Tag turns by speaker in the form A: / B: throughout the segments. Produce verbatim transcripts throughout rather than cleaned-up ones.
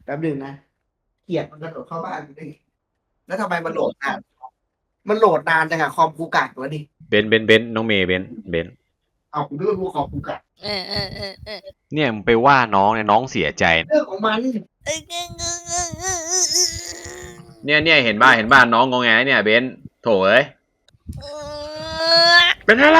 A: แป๊บหนึงนะเกลียดมันกระโดดเข้าบ้านกูได้ไงแล้วทำไมมันโหลดนานมันโหลดนานจังอะคอมกูกากวะนี่
B: เบนเบนเบนน้องเมย์เบนเบน
A: เอากูนึกว่ากูคอมกูกาก
C: เออเออเออเออ
B: เนี่ยมึงไปว่าน้องเนี่ยน้องเสียใจ
A: เรื่องของมัน
C: เออเออเออเออเออเออ
B: เนี่ยเนี่ยเห็นบ้าเห็นบ้านน้องงงแงเนี่ยเบนโถเอ้ยเป็นอะไร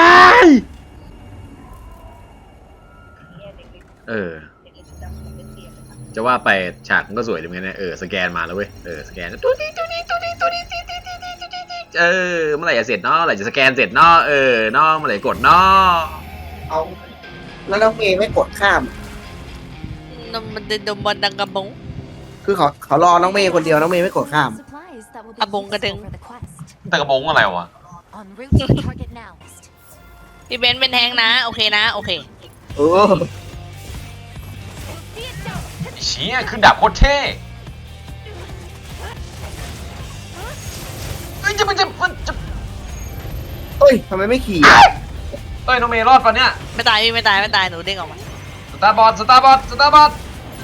B: เออจะว่าไปฉากมันก็สวยดีเหมือนกันนะเออสแกนมาแล้วเว้ยเออสแกนตัวนี้ตัวนี้ตัวนี้ตัวนี้เออเมื่อไหร่จะเสร็จเนาะเมื่อไหร่จะสแกนเสร็จเนาะเออเนาะเมื่อไหร่กดเนาะ
A: เอาแล้วน้องเมย์ไม่กดข้าม
C: นมมันเดินดมบอลดังกระบง
A: คือเขาเขารอน้องเมย์คนเดียวน้องเมย์ไม่กดข้าม
C: อะบงกระดึง
B: แต่กระบงอะไรวะ
C: พี่เบนเป็นแทงนะโอเคนะโอเค
A: เออ
B: เชี่ยขึ้นดาบโคตรเท่เอ้ยจะมันจะมันจะ
A: เอ้ยทำไมไม่ขี่
B: เอ้ยน้องเมย์รอดปะเนี่ย
C: ไม่ตายพี่ไม่ตายไม่ตายหนูเด้งออกมา
B: สตาร์บอลสตาร์บอลสตาร์บอล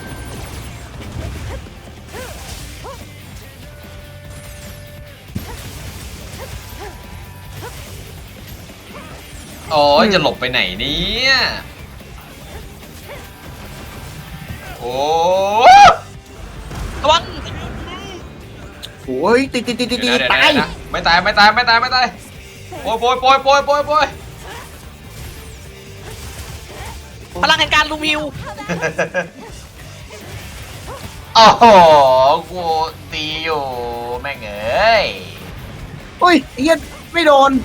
B: โอ้ยจะหลบไปไหนเนี่ยโอ้
C: ระวัง
A: โอ้ยติดติดติดติด
B: เดี๋ยวเดี๋ยว
A: ตาย
B: เดี๋ยวไม่ตายไม่ตายไม่ตายไม่ตายโอ้ยโปยโปยโปยโปยโปย
C: พลังแห่งการลุมฮิว
B: โอ้โหกูตีอยู่แม่งเอ้ย
A: โอ้ยไอ้เหี้ยไม่โดน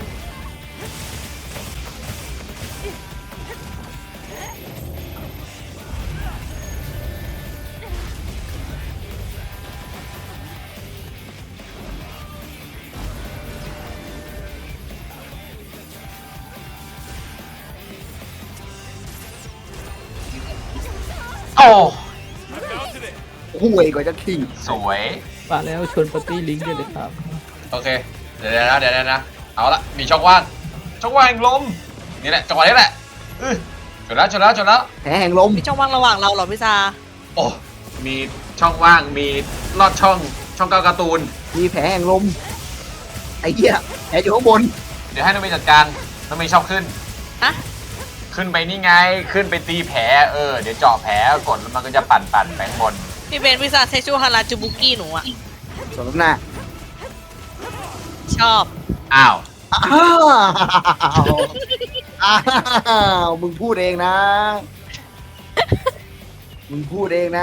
B: โอ้
A: ห่วยกว่าจะขี่
B: สวย
D: มาแล้วชวนปาร์ตี้ลิงก์กันเลยครับ
B: โอเคเดี๋ยวนะเดี๋ยวนะเอาละมีช่องว่างช่องว่างแห่งลมนี่แหละจังหวะนี้แหละอื้อจนแล้วจนแล้วจนแล้ว
A: แผลแห่งลม
C: มีช่องว่างระหว่างเราเหรอพี่ซา
B: โอ้มีช่องว่างมีลอดช่องช่องเก้าการ์ตูน
A: มีแผลแห่งลมไอ้เหี้ยแผลอยู่ข้างบน
B: เดี๋ยวให้น้องเมย์จัดการน้องเมย์ชอบขึ้น
C: ฮะ
B: ขึ้นไปนี่ไงขึ้นไปตีแผลเออเดี๋ยวเจาะแผลกดแล้วมันก็จะปั่นปั่นไปข้างบน
C: พี่เบนพี่ซาเซชูฮาราจูบุกี้หนูอะ
A: สมหน้า
C: ชอบ
B: อ้าว
A: อ้าวอ้าวมึงพูดเองนะ มึงพูดเองนะ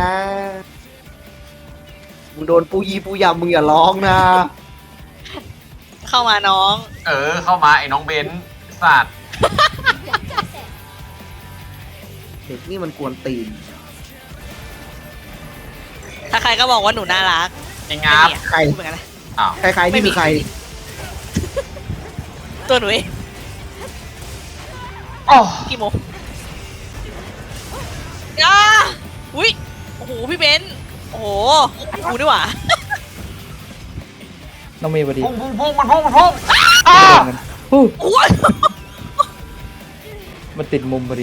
A: มึงโดนปูยีปูยำมึงอย่าร้องนะ
C: เข้ามาน้อง
B: เออเข้ามาไอ้น้องเบนสัตว์
A: เด็กนี่มันกวนตีน
C: ถ้าใครก็บอกว่าหนูน่ารัก
B: ไอ้งับ
C: ไม่มีอะ
A: ใคร
C: พูดเหมือนกันนะ
B: อ้าว
A: ใครใครนี่คือใคร
C: ตัวหนูเอง
B: โอ้
C: กี่โมงอ้าอุ้ยโอ้โหพี่เบนโอ้โหกูด้วยว่ะ
D: น้องเมย์พอดี
B: พุ่งพุ่งพุ่งมันพุ่งมันพุ่งอ้า
D: โดนกันฮู้
C: โอ้ย
D: มันติดมุมพอดี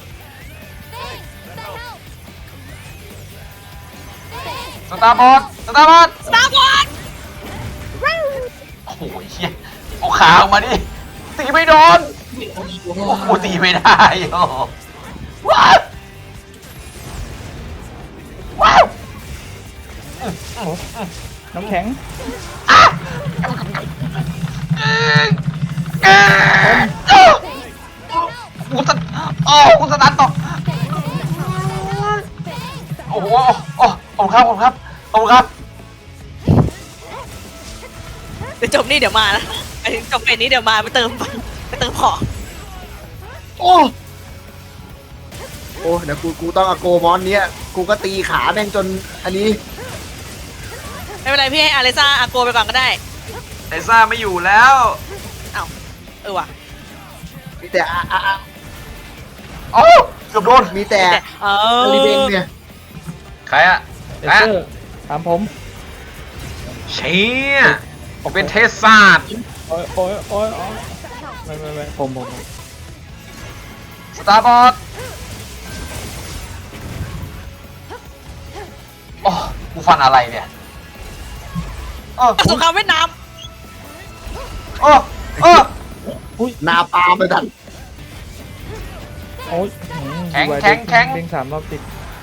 B: สตาร์บอลสตาร์บอล
C: สตาร์บอล
B: โอ้โหเฮียเอาขาออกมาดิตีไม่โดนโอ้โหตีไม่ได้โอ้ว้าวว้าว
D: น้ำแข็ง
B: เอ้ยเอ้ยโอ้กูสตโอ้กูสตาร์ทต่อโอ้โหโอ้ขอบคุณครับขอบคุณครับขอบคุณครับ
C: เดี๋ยวจบนี่เดี๋ยวมานะไอ้จบเป็นนี้เดี๋ยวมาไปเติมไปเติมของ
A: โอ้โอ้เดี๋ยวกูกูต้องเอาโกมอนเนี้ยกูก็ตีขาแม่งจนอันนี้
C: ไม่เป็นไรพี่ให้อาเลซ่าอาโกไปก่อนก็ได้
B: ไอซ่าไม่อยู่แล้ว
C: เอ้าเออว่ะ
A: มีแต่อะอะอะ
B: โอ้เกือบโดน
A: มีแต่
C: แต่เอ
A: อ
C: อ
A: ลิเบนเนี่ย
B: ใครอะ
D: เอเซอร์ถามผม
B: เชี่ยเป็นเทสซาด
D: โอ้ยโอ้ยโอ้ยโอ้ยไม่ไม่ไม่ผมผมผม
B: สตาร์บอลโอ้ฟันอะไรเนี่ยเออ
C: สงครามเวียดนาม
B: เออเออ
A: นาปาล์มไปดัน
D: โอ้ย
B: แข็งแข็งแข็ง
D: เด้งสามรอบติด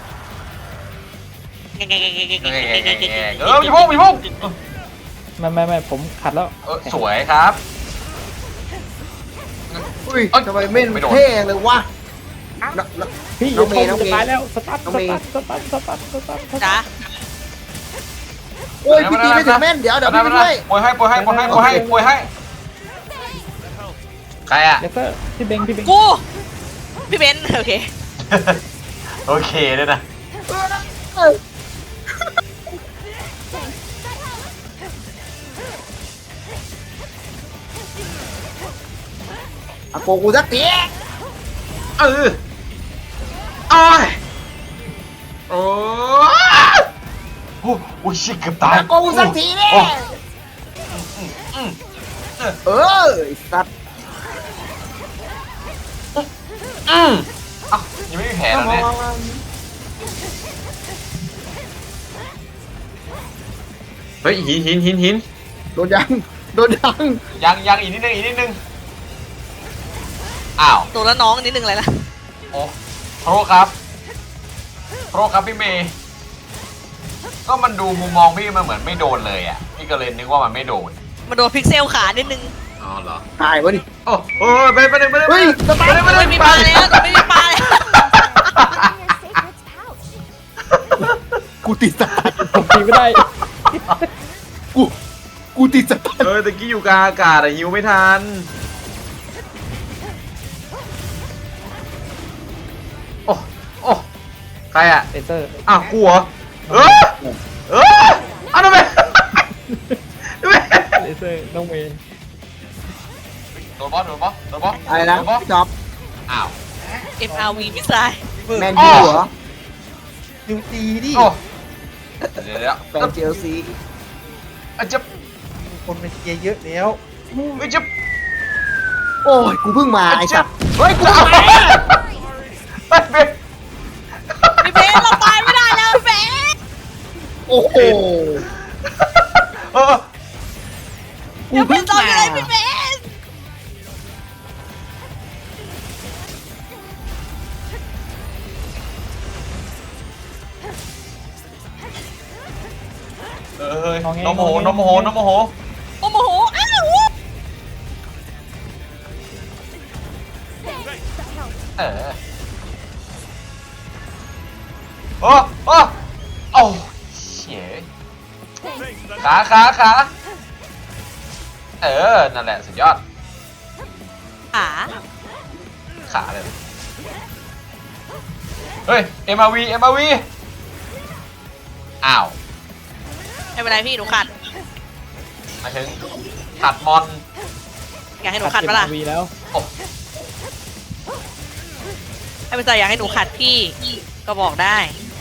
B: เออมีพุ่งมีพุ่ง
D: ไม่ไม่ไม่ผมขัดแล้ว
B: เออสวยครับ
A: อุ้ย
B: เอ้ย
A: ทำไมไม่
B: ไม่โดน
A: เท่เลยวะนน
D: พี่
A: น้องเมย์
D: จะ
A: น้องเมย์
D: ตายแล้วสตาร์ท
A: น้
D: ส
A: องเมย์
D: ตาร์ทสตาร์ทสตาร์ทสตาร์ทสตาร์ท
C: จ้า
A: โอ้ยพี่ตีไม่ถึงแม่นเดี๋ยวเดี๋ยวพี่ไปด้วย
B: ปล่อยให้ปล่อยให้ปล่อยให้ปล่อยให้ปล่อยให้ใครอ่ะ
D: เลเซอร์พี่เบงพี่เบง
C: กูพี่เบนซ์โอเค
B: โอเคด้วยนะ
A: อาโกกูสักที
B: เออโอ้ยโอ้ยโอ้โหชิคเกือบตาย
A: อาโกกูสักทีเนี่ย
B: โอ้
A: เออไอ้สัตว์
B: อืมเอ้ายังไม่มีแผลแล้วเนี่ยเฮ้ยหินหินหินหิน
A: โดนยังโดนยัง
B: ยังยังอีกนิดนึงอีกนิดนึงอ้าว
C: ตัวละน้องนิดนึงเลยละ
B: โอ้โทษครับโทษครับพี่เมย์ก็มันดูมุมมองพี่มันเหมือนไม่โดนเลยอ่ะพี่ก็เลยนึกว่ามันไม่โดน
C: มาโดนพิกเซลขานิดนึง
B: อ๋อเหรอ
A: หายวะนี่
B: โอ้โหไปไปเลยไปเลย
A: เฮ้ยสตาร์ท
B: ไปเลย
C: ไม่มีปลาแล้วตัวไม่มีปลาแล้ว
A: กูติดสตาร์ท
D: ผมตีไม่ได้
A: กูกูติดสตาร์ท
B: เออตะกี้อยู่กลางอากาศอะหิวไม่ทันโอ้โอ้ใครอะ
D: เลเซอร์
B: อ้าวกูเหรอเออเอออ้าวทำไมทำไม
D: เลเซอร์น้องเมย์
B: โดนบอสโดนบอสโดนบอส
A: อะไรนะ
B: โดนบอส
A: พี่จ๊อบ
B: อ้าว
C: เอ็มอาร์วีมิสไซล์
A: แมนยูเหรอ
E: ดูดีดิ
B: โอ้เดี๋ยวเดี๋ยว
A: แฟนเชลซี
B: อาจจะ
E: คนมาเชียร์เยอะแล้ว
B: อาจจะ
A: โอ้ยกูเพิ่งมาไอ้สัตว์เฮ้ยกูมา
B: ไปไป
C: พี่เบนซ์เราตายไม่ได้แล้วพี่เบนซ์
A: โอ้โห
B: เออ
A: กู
C: เดี๋ยวเป็
A: เพิ่
C: น
A: ง
C: ตอน
A: มา
C: อยู่เลยพี่เบนซ์
B: เออน้องโมโหน้องโมโหน้องโมโห
C: โอ้โหอ้าว
B: เออโอ้โอ้โอ้เฉยขาขาขาเออ นั่นแหละสุดยอด
C: ขา
B: ขาเลย เฮ้ย เอ็ม อาร์ วี เอ็ม อาร์ วี อ้าว
C: ไม่เป็นไรพี่หนูขัด
B: มาถึงขัดมอน
C: อยากให้หนูขัดปะล่ะ
D: วีแล้ว
B: โอ้
C: ให้เป็นใจอยากให้หนูขัดพี่ก็บอกได้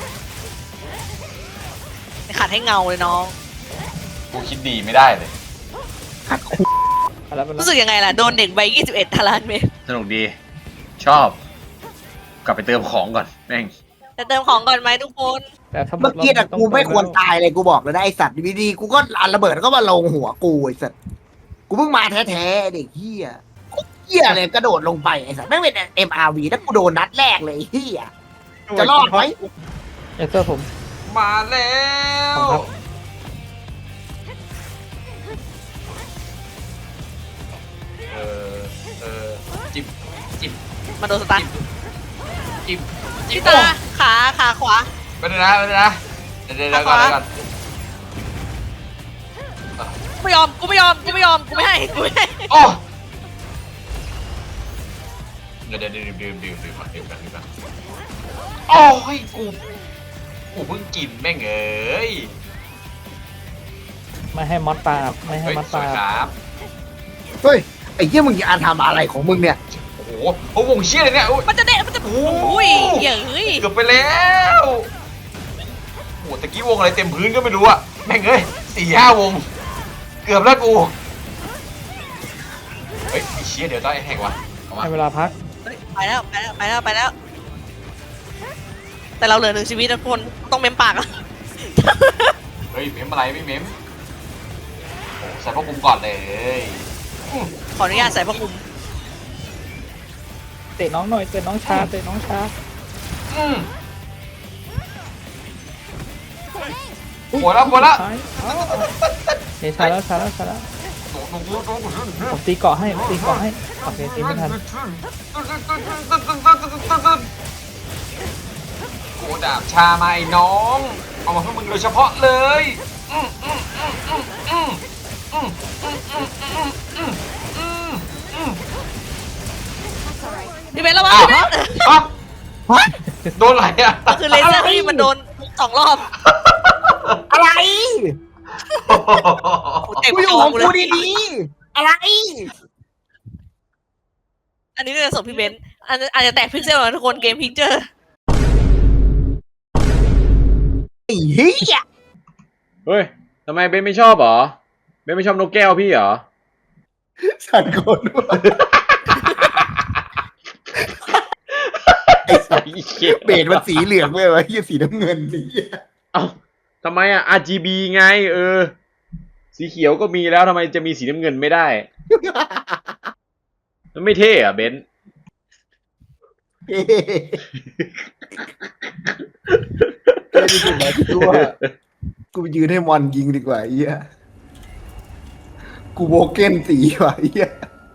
C: ขัดให้เงาเลยน้อง
B: กูคิดดีไม่ได้เลย
D: เอาแล้วมัน
C: รู้สึกยังไงล่ะโดนเด็กใบยี่สิบเอ็ดตารางเมตร
B: สนุกดี ชอบ กลับไปเติมของก่อน แม่ง
C: จะเติมของก่อนไหมทุกคน
D: แต่ถ้า
A: เมื่อกี้อะ
D: ต้ง
A: กูไม่ควร
D: เติ
A: ตายเลยกูบอกเลยนะไอสัตว์ดีๆกูก็อันระเบิดแล้วก็มาลงหัวกูไอสัตว์กูเพิ่งมาแท้ๆเด็กเฮียกูเฮียเลยกระโดดลงไปไอสัตว์ไม่งเป็น เอ็ม อาร์ วี แล้วกูโดนนัดแรกเลยไอ้เฮียจะรอดไหม
D: เลเซอร์ผม
B: มาแล้ว
D: ขอบคุณครับ
B: เออ เออ จิบจิบ
C: มาโดนสตาร์ท
B: จิบจิ
C: พี่
B: บ
C: ตาขาขาขวา
B: ไปเลยนะไปเลยนะ เดี๋ยวเดี๋ยวเดี๋ยวก่อนเดี๋ยวก่อน
C: กูไม่ยอมกูไม่ยอมกูไม่ยอมกูไม่ให้กูไม่ให้
B: โอ้เดี๋ยวเดี๋ยวดื่มดื่มดื่มดื่มก่อนดื่มก่อนดื่มก่อนโอ้ยกูกูเพิ่งกินแม่งเอ้ย
D: ไม่ให้มอสปาบไม่ให้
B: เฮ้ย
D: มอส
B: สว
D: ปาย บ
B: ครับ
A: เฮ้ยไอ้เฮียมึงจะอ่านทำอะไรของมึงเนี่ย
B: โอ้โหโอ้วงเชี่ยเลยเนี่ยโอ้ย
C: มันจะเดะมันจะ
B: โอ้
C: อุ้ยเหี้ยเฮ้ย
B: เกือบไปแล้วโอ้ตะกี้วงอะไรเต็มพื้นก็ไม่รู้อะแม่งเอ้ยสี่ห้าวง เกือบแล้วกูเฮ้ยไอ้เชี่ยเดี๋ยวต้องไอ้แหกวะเอามา
D: ให้เวลาพัก
C: เฮ้ยไปแล้วไปแล้วไปแล้วไปแล้ว แต่เราเหลือหนึ่งชีวิตนะทุกคนต้องเมมปากอะ
B: ฮ้ยเมมอะไรไม่เมมโอ้ใส่พวกคุมก่อนเลย
C: ขออนุญาตใส่พระคุม
D: เตะน้องหน่อยเตะน้องช้าเตะน้องช้า
B: อืมหมดแล้วหมดแล้ว
D: ท้ายเอาเอาเฮ้ยช้าแล้วช้าแล้วช้าแล้วผมตีเกาะให้ผมตีเกาะให้โอเคตีไม่ทัน
B: โกดาบชามาไอ้น้องเอามาเพื่อมึงโดยเฉพาะเลยอืมอืมอืมอืมอืมอืมอืมอืมอืมอืมอืมอืม
C: พี่เบนระวัง
B: อ้าว
C: พี่เบน
B: อ้าวโดนอะไรอ่ะ
C: ก็คือเลเซอร์พี่มันโดนสองรอบ
A: อะไร
C: กูเต็ม
A: กูอ
C: จ
A: ยู่
C: อ
A: ของ
C: กูเล
A: กู
C: ย
A: ดีๆอะไร
C: อันนี้เรื่องส่งพี่เบนอาจจะอาจจะแตกพิกเซลนะทุกคนเกมพิกเจอร์
A: ไอ้เหี้ย
B: เฮ้ยทำไมเบนไม่ชอบเหรอเบนไม่ชอบนกแก้วพี่เหรอ
A: สันโกนด้วยไอ้สัตว์เบรดมันสีเหลืองเว้ยวะเหี้ยสีน้ำเงินนี่
B: เอ้าทำไมอ่ะ อาร์ จี บี ไง เออ สีเขียวก็มีแล้วทำไมจะมีสีน้ำเงินไม่ได้ มันไม่เท่อะเบน
A: เฮ้เท่ที่สุดแล้วกูว่ากูไปยืนให้มอนยิงดีกว่าไอ้เหี้ยกูโบเก้นสีว่ะไอ้เหี้ย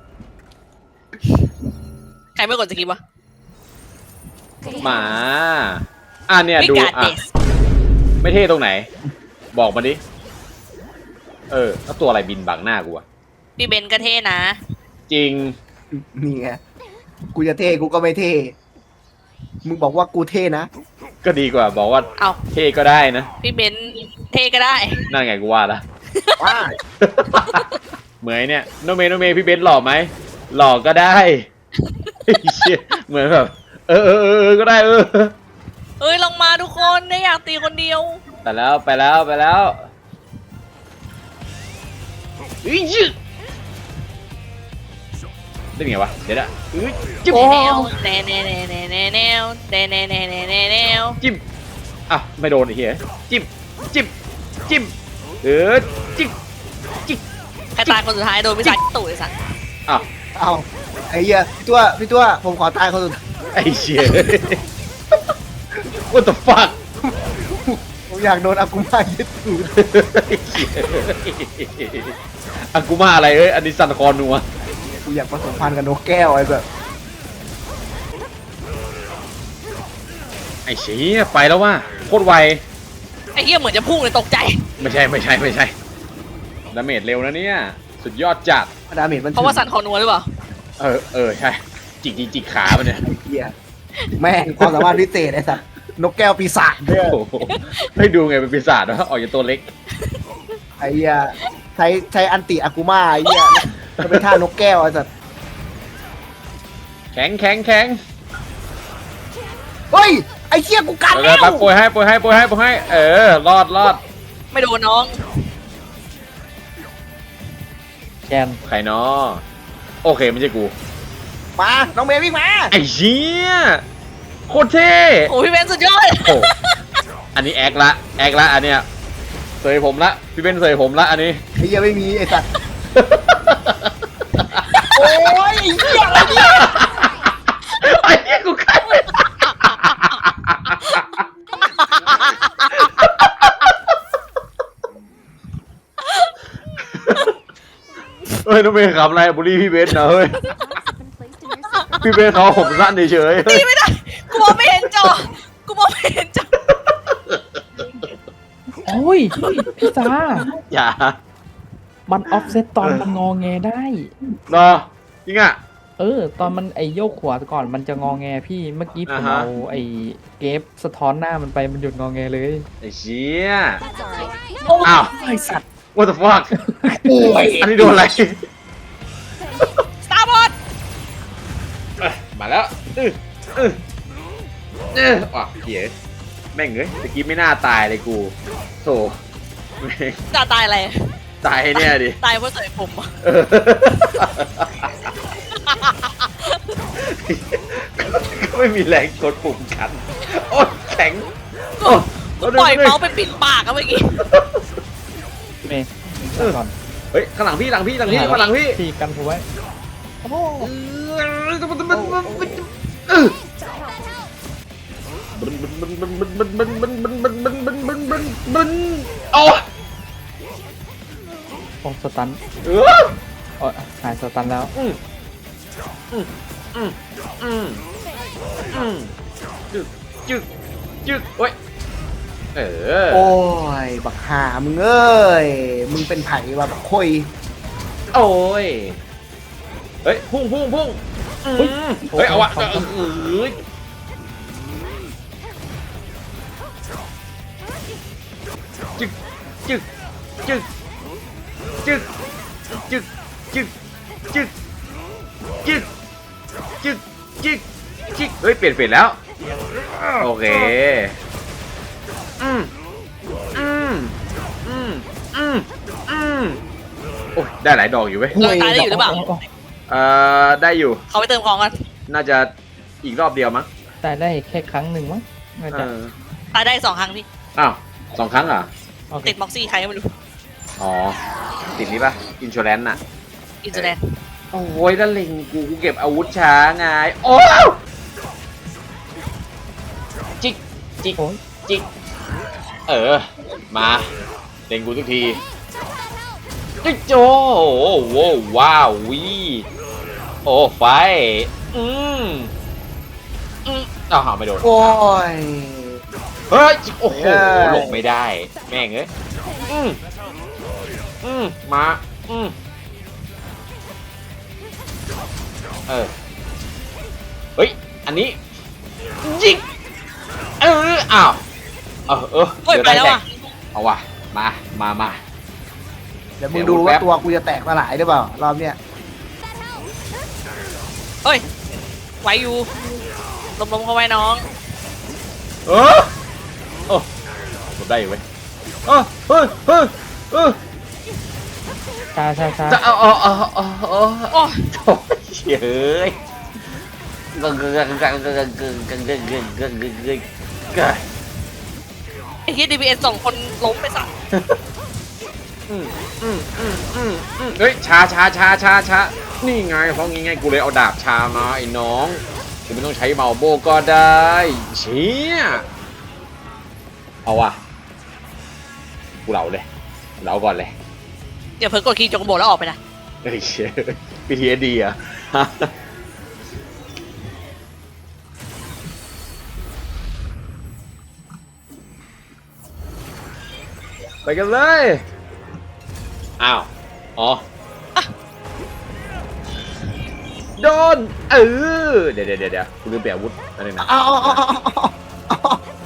C: ใครไม่กดสกิปวะ
B: หมาอ่ะเนี่ย
C: วิ
B: ดู
C: กาเด
B: อ่ะ
C: ส
B: ไม่เท่ตรงไหน บอกมาดิ เออแล้วตัวอะไรบินบังหน้ากูอะ
C: พี่เบนก็เท่นะ
B: จริง
A: นี่ไงกูจะเท่กูก็ไม่เท่มึงบอกว่ากูเท่นะ
B: ก็ดีกว่า บอกว่า
C: เอา
B: เท่ก็ได้นะ
C: พี่เบนเท่ก็ได้
B: นั่นไงกูว่าละ
A: ว่า
B: เหมือนเนี่ยโนเมโนเมพี่เบนซ์หล่อไหมหล่อก็ได้ เชี่ยเหมือนแบบเออเออเออเออก็ได้เออ
C: เอ้ยลงมาทุกคนได้อยากตีคนเดียว
B: ไปแล้วไปแล้วไปแล้วอีจิได้ไงวะเดี๋ยวนะอื้อจิ๊บ
C: แนวแนวแนวแนวแนวแนวแนวแนวแนวแนวแนวแนวแนว
B: จิ้มอ่ะไม่โดนไอ้เหี้ยจิ้มจิ้มจิ้มเออจิ้มจิ้ม
C: ใครตายคนสุดท้ายโดนพี่สายตู่ไอ้สัส
B: อ่ะ
A: เอาไอ้เหี้ยพี่ตัวพี่ตัวผมขอตายคนสุดท้าย
B: ไอ้เชี่ย what the fuck
A: ผมอยากโดนอากุมายึดถือ
B: อากูมาอะไรเอ้ยอันนี้ซันคอนัว
A: กูอยากผสมพันธุ์กับนกแก้วไอ้แบบ
B: ไอ้เชี่ยไปแล้วว่ะโคตรไว
C: ไอ้เหี้ยเหมือนจะพุ่งเลยตกใจ
B: ไม่ใช่ไม่ใช่ไม่ใช่ดาเมจเร็วนะเนี่ยสุดยอดจัด
A: ดาเมจมัน
C: เพราะว่าสันคอนัวหรือเปล่า
B: เออเออใช่จิกจิกจิกขามันเนี่ย
A: ไอ้เหี้ยแม่งความสามารถพิเศษไอ้สัตว์นกแก้วปีศาจด้วย
B: โอ้โหให้ดูไงเป็นปีศาจวะออกจากตัวเล็ก
A: ไอ้เหี้ยใช้ใช้อันติอากุมาไอ้เหี้ยจะเป็นท่านกแก้วไอ้สัตว์
B: แข็งแข็งแข็ง
A: เฮ้ยไอ้เหี้ยกูกัด
B: เอ
A: แล้
B: อ
A: ว
B: ปั๊บโปรยให้โปรยให้โปรยให้โปรยให้เออรอดรอด
C: ไม่โดนน้อง
D: แกน
B: ใครเนาะโอเคไม่ใช่กู
A: มาน้องเมย์วิ่งมา
B: ไอ้เชี่ยโคตรเท่
C: โอ้พี่เบนสุดยอด
B: โอ้อันนี้แอคละแอคละอันเนี้ยเสยผมละพี่เป็นเสยผมละอันนี้
A: ไอ้เหี้ยไม่มีไอ้สัตว์โอ้ยไอ้เหี้ยอะไรเนี่ย
B: ไอ้เหี้ยกูคันเฮ้ยน้องเมย์ขำอะไรบุรีพี่เบนนะเฮ้ยพี่เบนเขาผมสั้นเฉยๆเฮ้ย
C: ตีไม่ได้กูมองไม่เห็นจอกูมองไม่เห็นจอ
D: โอ้ยพี่ซา
B: อย่า
D: มันออฟเซตตอนมันงอแงได้
B: รอจริงอ่ะ
D: เออ ตอนมันไอโยกขวาก่อนมันจะงอแงพี่เมื่อกี้ผม
B: อ่าฮะ
D: เอาไอเกฟสะท้อนหน้ามันไปมันหยุดงอแงเลย
B: ไอ้เชี่ย
D: โอ้
B: อ้าว
D: ไอสัตว์
B: what the fuck
A: โอ้ย
B: อันนี้โดนอะไร
C: สตาร์บอล
B: เอ้ยมาแล้วอื้ออื้อเออว่ะเหี้ยแม่งเอ้ยตะกี้ไม่น่าตายเลยกูโธ่แม่ง
C: จะตายอะไร
B: ตายเนี่ยดิ
C: ตายเพราะเสยผมอะ
B: เออก็ไม่มีแรงกดปุ่มกัน โอ๊ยแข็งโอ้
C: กูปล่อยเมาส์ไปปิดปากอะเมื่อกี้
D: เมย์ก่อน
B: เฮ้ยข้างหลังพี่หลังพี่หลังพี่ข้างหลังพี่
D: พี่กันผมไว้โอ้โห
B: เออเออบึนบึนบึนบึนบึนบึนบึนบึนบึนบึนบึนบึนบึนบึนโอ้
D: ผมสตัน
B: เออ
D: โอ้หายสตันแล้ว
B: อืมอืมอืมอืมอืมจึกจึกจึกโอ้ยเออ
A: โอ้ยบักหามึงเอ้ยมึงเป็นไผ่วะบักคอย
B: โอ้ยเฮ้ยพุ่งพุ่งพุ่งอืมเฮ้ยเอาวะเออเออจึกจึกจึกจึกจึกจึกจึกจึกจึกจึกจึกเฮ้ยเปลี่ยนเปลี่ยนแล้วโอเคอืมอืมอืมอืมอืมโอ้ยได้หลายดอกอยู่เว้ย
C: เราตายได้อยู่หรือเปล่า
B: เอ่อได้อยู่
C: เขาไปเติมของกัน
B: น่าจะอีกรอบเดียวมั้ง
D: แต่ได้แค่ครั้งหนึ่งมั้งน่า
B: เอ
D: จะ
B: อ
C: ตายได้สองครั้งพี่
B: อ้าวสองครั้งเหรอ่ะ
D: โอเค
C: ติดม็อกซี่ใครก็ไม่รู้
B: อ๋อติดนี้ป่ะอินช r แ n น e น่ะ
C: อินเตอร์เน็ต
B: โอ้ยแล้วเล็งกูกูเก็บอาวุธช้าไงโอ้จิกจิก
D: โอ้ย
B: จิกเออมาเล็งกูทุกทีจิกโจโอ้โหว้าววีโอ้ไฟอืมอืมอ้าวไม่โดน
A: โอ้ย
B: เฮ้ยโอ้โห
A: เอ้ย
B: หลงไม่ได้แม่งเอ้ยอืมอืมมาอืมเออเฮ้ยอันนี้ยิงเอออ้าวเออเออ
C: เฮ้ย
B: เดี๋ยว
C: ไป
B: ได้
C: แล้ว
B: แตก
C: อ่ะ
B: เอาว่ะมามามา
A: เดี๋ยวมึงดูว่าตัวกูจะแตกสลายหรือเปล่ารอบเนี้ย
C: เฮ้ยไหวอยู่ลมๆเข้าไว้น้อง
B: เออโอ้ผมได้อยู่เว้ยเออเฮ้ยเฮ้ยเออ
D: ช้าช้าช้า
B: จะเอาเอาเอาเอาเอา
C: โอ้ย
B: โถ่เฮ้ยกังกังกังกังกังกังกังกังกังกังกังกังกัง
C: ไอ้ที่ดีบีเอ็นสองคนล้มไปสัก
B: อืมอืมอืมอืมอืมเฮ้ยช้าช้าช้าช้าช้านี่ไงเพราะงี้ไงกูเลยเอาดาบชามาไอ้น้องกูไม่ต้องใช้เมาโบก็ได้เชี่ยเอาว่ะกูเหลาเลยเหลาก่อนเลย
C: เดี๋ยวเพิ่งกดคีย์จงโบแล้วออกไปนะ
B: เฮ้ยเชี่ยพีทีเอดีอ่ะไปกันเลยอ้าวอ๋อโดนเออเดี๋ยวเดี๋ยวเดี๋ยวกูลืมเปลี่ยนอาวุธอะไรนะ
A: เอาเอาเอาเอาเอา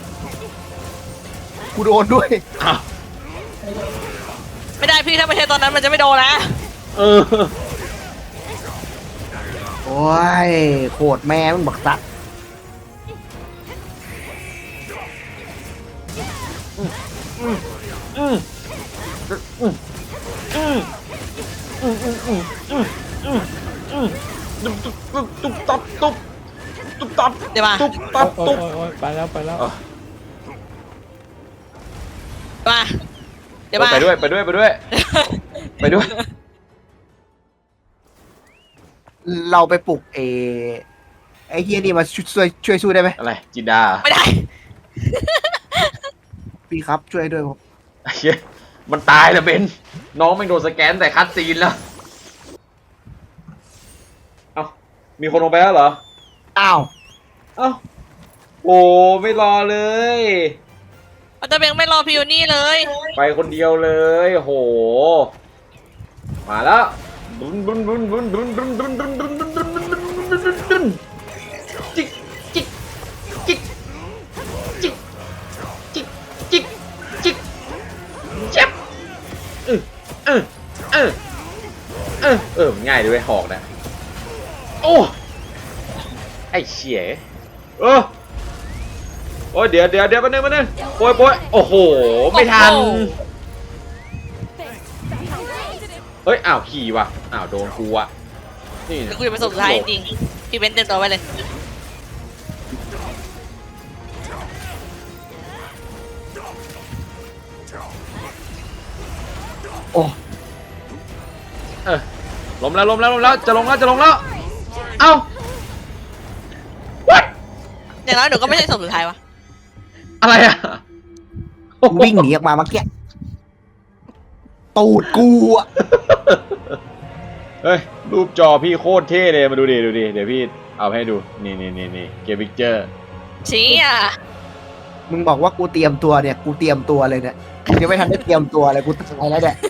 A: กูโดนด้วย
B: อ้าว
C: ไม่ได้พี่ถ้าไม่ใช่ตอนนั้นมันจะไม่โดนนะ
B: เออ
A: โอ้ยโคตรแม่มึงบักสัตว์
B: อืมอืมอืมอืมอืมอืมอืมอืมอืมอืมตุ๊บตุ๊บตุ๊บตับตุ๊บตุ๊บตับ
C: เดี๋ยวมา
B: ตุ๊บตับ
D: โอ้
B: ตุ๊
D: ย
B: บ
D: โอ้ยโอ้ยไปแล้วไปแล้ว
C: มาเดี๋ยวมา
B: ไปด้วยไปด้วยไปด้วยไปด้วย
A: เราไปปลุกเอไอ้เฮียนี่มาช่วยช่วยช่วยสู้ได้ไหม
B: อะไรจินดา
C: ไม่ได้
A: พี่ครับช่วยด้วยผม
B: ไอ้เหี้ยมันตายแล้วเบนน้องไม่โดนสแกนแต่คัดซีนแล้วเอ้ามีคนลงไปแล้วเหรอ
A: อ้าว
B: เอ้าโอ้ไม่รอเลย
C: อัลเตอร์เบงไม่รอพิโอนี่เลย
B: ไปคนเดียวเลยโหมาแล้วดุนดุนดุนดุนดุนดุนดุนดุนดุนดุนดุนดุนดุนดุนดุนดุนจิกจิกจิกจิกจิกจิกจิกเจ็บเออเออเออเออเออง่ายด้วยหอกนะโอ้ไอ้เชี่ยเออโอ้ยเดี๋ยวเดี๋ยวเดี๋ยวมาหนึ่งมาหนึ่งโอ้ยโอ้ยโอ้โหไม่ทัน เฮ้ย อ้าว ขี่ว่ะ อ้าว โดนกูอ่ะ นี่
C: เดี๋ยวกูจะไปส่งสุดท้ายจริงๆพี่เบนซ์เต็มตัวไว้เลย
B: อ
A: โอ้
B: เออล้มแล้วล้มแล้วล้มแล้วจะลงแล้วจะลงแล้วเอ้า what
C: อย่างน้อยหนูก็ไม่ใช่ศพสุดท้ายวะ
B: อะไรอะ
A: วิ่งหนีออกมาเมื่อกี้ตูดกูอะ
B: เฮ้ยรูปจอพี่โคตรเท่เลยมาดูดิดูดิเดี๋ยวพี่เอาให้ดูนี่นี่นี่นี่เกมพิกเจอร์
C: ชี้อ่ะ
A: มึงบอกว่ากูเตรียมตัวเนี่ยกูเตรียมตัวเลยเนี่ยกูยังไม่ทันได้เตรียมตัวเลยกูตายแล้วเนี่ย